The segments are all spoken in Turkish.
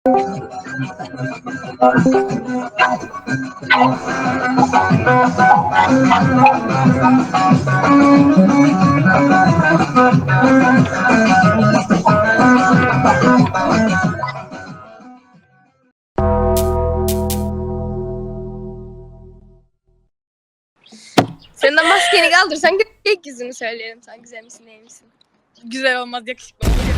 Sen de maskeni kaldırsan gökyüzünü söyleyelim. Sen güzel misin değil misin? Güzel olmaz, yakışıklı olur.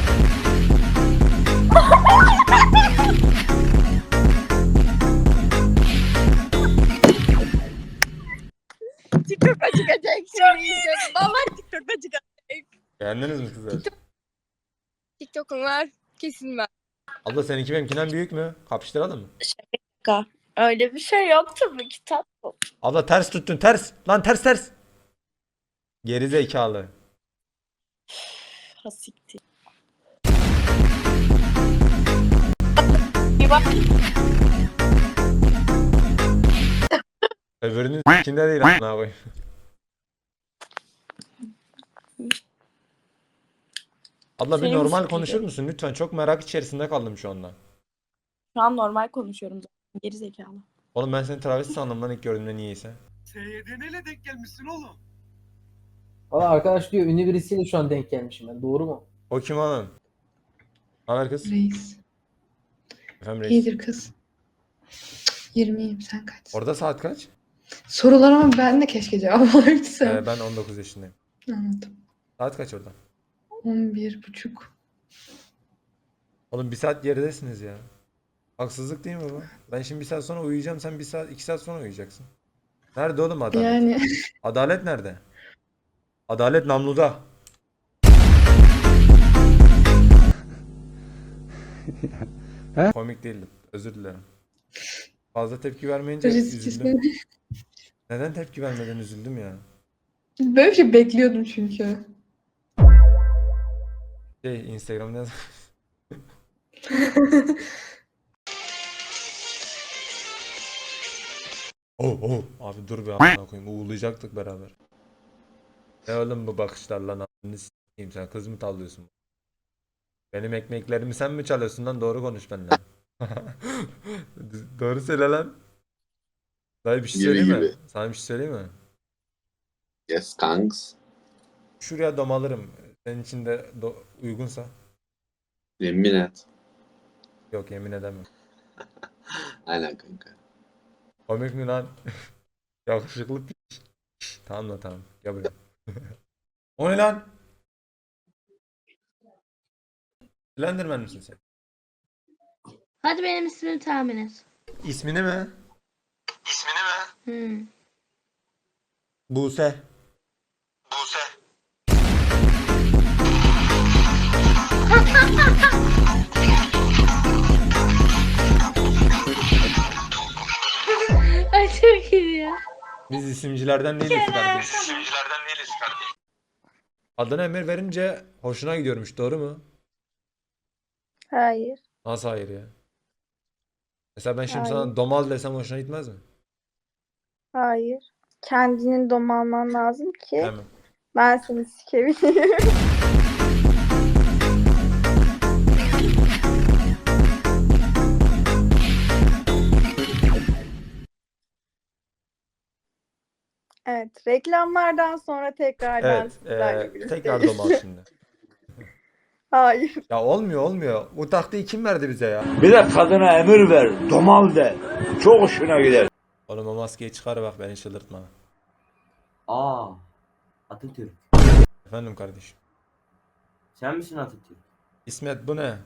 TikTok'a çıkacak şimdi iyice. Vallahi TikTok'a çıkacak. Beğendiniz mi kızlar? TikTok'un var. Kesin var. Abla seninki benimkinden büyük mü? Kapıştıralım mı? Öyle bir şey yok tabii ki tatlım. Abla ters tuttun ters. Lan ters ters. Geri zekalı. Hasiktir. Bir bak. Öbürünün içinde değil amına koyayım. Abla bir Seni mi normal sikeyim? konuşur musun lütfen? Çok merak içerisinde kaldım şu anda. Şu an normal konuşuyorum zaten. Geri zekalı. Oğlum ben seni travesti sandım lan ilk gördüğümde niyeyse. SYD'neyle denk gelmişsin oğlum. Valla arkadaş diyor ünlü birisiyle şu an denk gelmişim ben. Doğru mu? O kim oğlum? Haber kız? Reis. Efendim reis. İyidir kız. 20'yim, sen kaç? Orada saat kaç? Sorular ama ben de keşke cevap alabilsem. Ben 19 yaşındayım. Anladım. Saat kaç orada? 11.30. Oğlum bir saat geridesiniz ya. Haksızlık değil mi bu? Ben şimdi bir saat sonra uyuyacağım. Sen bir saat, 2 saat sonra uyuyacaksın. Nerede oğlum adalet? Yani Adalet nerede? Adalet namluda. Komik değildi. Özür dilerim. Fazla tepki vermeyince risk üzüldüm. istemem. Neden tepki vermeden üzüldüm ya? Böyle bir şey bekliyordum çünkü. Instagram'da yaz. Oh. Abi dur be amına koyayım. Uğurlayacaktık beraber. Ne oğlum bu bakışlar lan a**ını s**eyim, sen kız mı tavlıyorsun? Benim ekmeklerimi sen mi çalıyorsun lan? Doğru konuş benimle. Doğru söyle lan. Dayı bir şey Gibi söyleyeyim mi? gibi. Sana bir şey söyleyeyim mi? Yes kanks. Şuraya domalırım. Senin için de uygunsa. Yemin et. Yok yemin edemem. Aynen kanka. Komik mi lan? Yakışıklı piç. Tamam lan tamam. Gel buraya. O ne lan? Slenderman misin sen? Hadi benim ismimi tahmin et. İsmini mi? Hmm. Buse. Ay çok iyi ya. Biz isimcilerden değiliz kardeşim. Adına emir verince hoşuna gidiyormuş, doğru mu? Hayır. Nasıl hayır ya? Mesela ben şimdi Hayır. sana domal desem hoşuna gitmez mi? Hayır. Kendini domalman lazım ki Hemen. ben seni sikebileyim. Evet. Reklamlardan sonra tekrardan Evet. sizlerle birlikte. Tekrar domal şimdi. Hayır. Ya olmuyor. Bu taktiği kim verdi bize ya? Bir de kadına emir ver, domal de. Çok hoşuna gider. Oğlum o maskeyi çıkar bak, beni çıldırtma. Aa, Atatürk. Efendim kardeşim. Sen misin Atatürk? İsmet bu ne?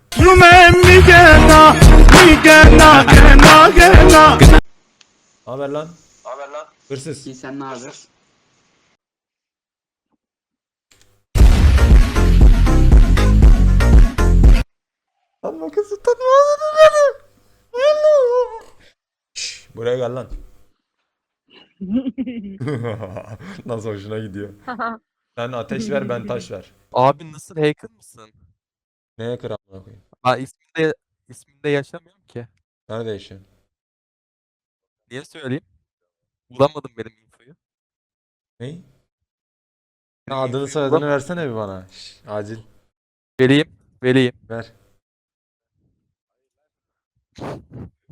Haber lan? Hırsız. İyi, sen ne haber? Lan makası tutmaz beni. Şşş, buraya gel lan. Nasıl hoşuna gidiyor. Sen ateş ver, ben taş ver. Abi nasıl, hacker mısın? Neye kıramına koyayım? Ben isminde yaşamıyorum ki. Nerede yaşıyorsun? Niye söyleyeyim? Bulamadım benim infoyu. Ney? Benim Adını infoyu soyadını bulamadım. versene bir bana. Şş, acil. Vereyim. Ver.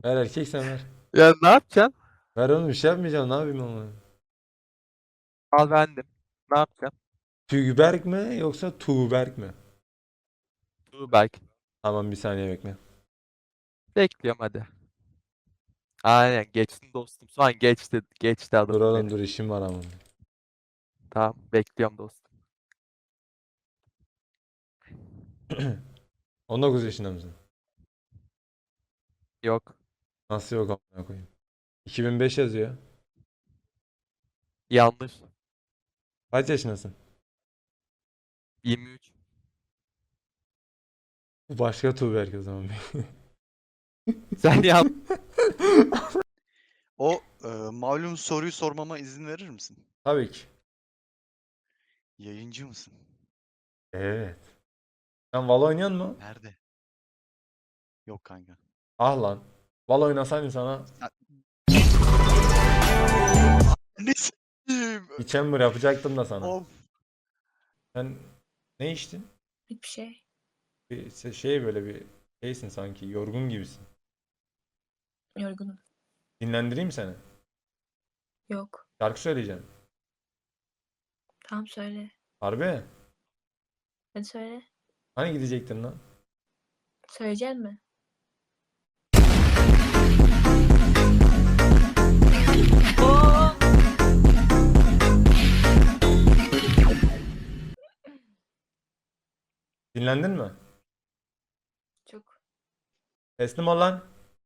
Ver erkeksen ver. Ya ne yapacaksın? Ver oğlum bir şey yapmayacağım ne yapayım ama. Al bendim. Ne yapacaksın? Tügberk mi yoksa Tuğberk mi? Dur belki. Tamam bir saniye bekle. Bekliyorum hadi. Aynen geçtin dostum. Şu an geçti. Geçti Dur adamım oğlum benim. dur işim var ama. Tamam bekliyorum dostum. 19 yaşında mısın? Yok. Nasıl yok amına koyayım? 2005 yazıyor. Yanlış. Kaç yaşındasın? 23. Bu başka Tuğberk o zaman. Sen yap. O malum soruyu sormama izin verir misin? Tabii ki. Yayıncı mısın? Evet. Sen Valo oynuyor musun? Nerede? Yok kanka. Ah lan. Valo oynasaydın sana Ne s**eyim? bir chamber yapacaktım da sana. Of. Sen ne içtin? Hiçbir şey. Bir şey böyle bir şeysin sanki. Yorgun gibisin. Yorgunum. Dinlendireyim mi seni? Yok. Şarkı söyleyeceğim. Tamam söyle. Harbi? Hadi söyle. Hani gidecektin lan? Söyleyecek mi? Dinlendin mi? Çok. Teslim ol lan.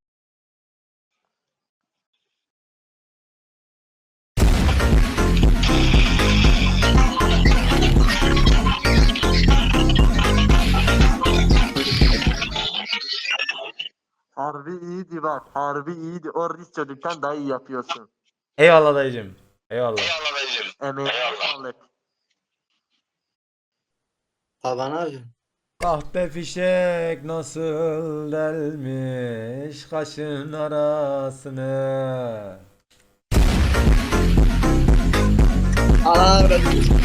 Harbi iyiydi bak. Harbi iyiydi. O risk çocuktan daha iyi yapıyorsun. Eyvallah dayıcım. Eyvallah. Emeğine sağlık. Baba ne yapıyorsun? Kahpe fişek nasıl delmiş kaşın arasını. Allah razı olsun.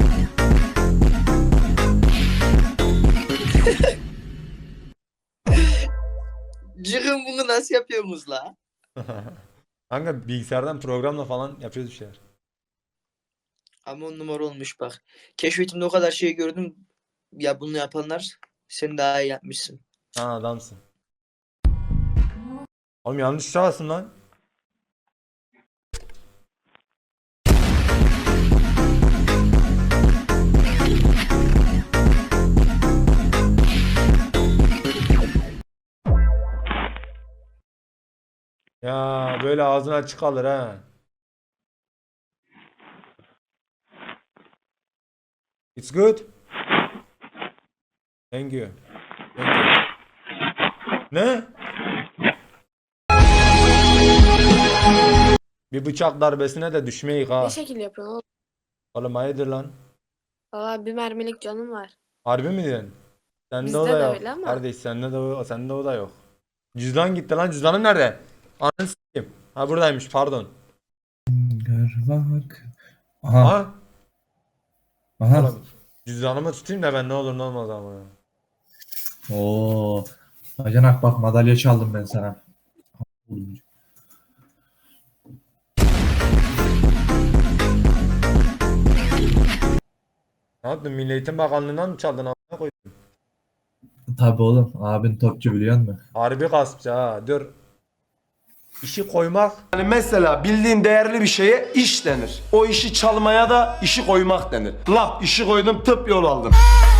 Cırın bunu nasıl yapıyorsunuz la? Kanka bilgisayardan programla falan yapıyoruz bir şeyler. Ama 10 numara olmuş bak. Keşfetimde o kadar şey gördüm. Ya bunu yapanlar sen daha iyi yapmışsın. Ha adamsın. Oğlum yanlış tuşa bastın lan. Ya böyle ağzın açık kalır ha. It's good. Thank you. Thank you. Ne? Bir bıçak darbesine de düşmeyik ha. Ne şekil yapıyorsun oğlum? Oğlum hayırdır lan? Valla bir mermilik canım var. Harbi mi diyorsun? Sende Bizde o da de yok. öyle ama. Kardeş sende o da yok. Cüzdan gitti lan. Cüzdanın nerede? Ananı s**eyim. Ha buradaymış pardon. Bak. Ha? Aha. Oğlum, cüzdanımı tutayım da ben ne olur ne olmaz ama ya. Oo. Bacanak bak madalya çaldım ben sana. Ne yaptın? Milli Eğitim Bakanlığı'ndan mı çaldın amına koydun? Tabii oğlum. Abin topçu biliyor musun? Harbi gaspçı ha. Dur. İşi koymak. Yani mesela bildiğin değerli bir şeye iş denir. O işi çalmaya da işi koymak denir. Laf işi koydum tıp yol aldım.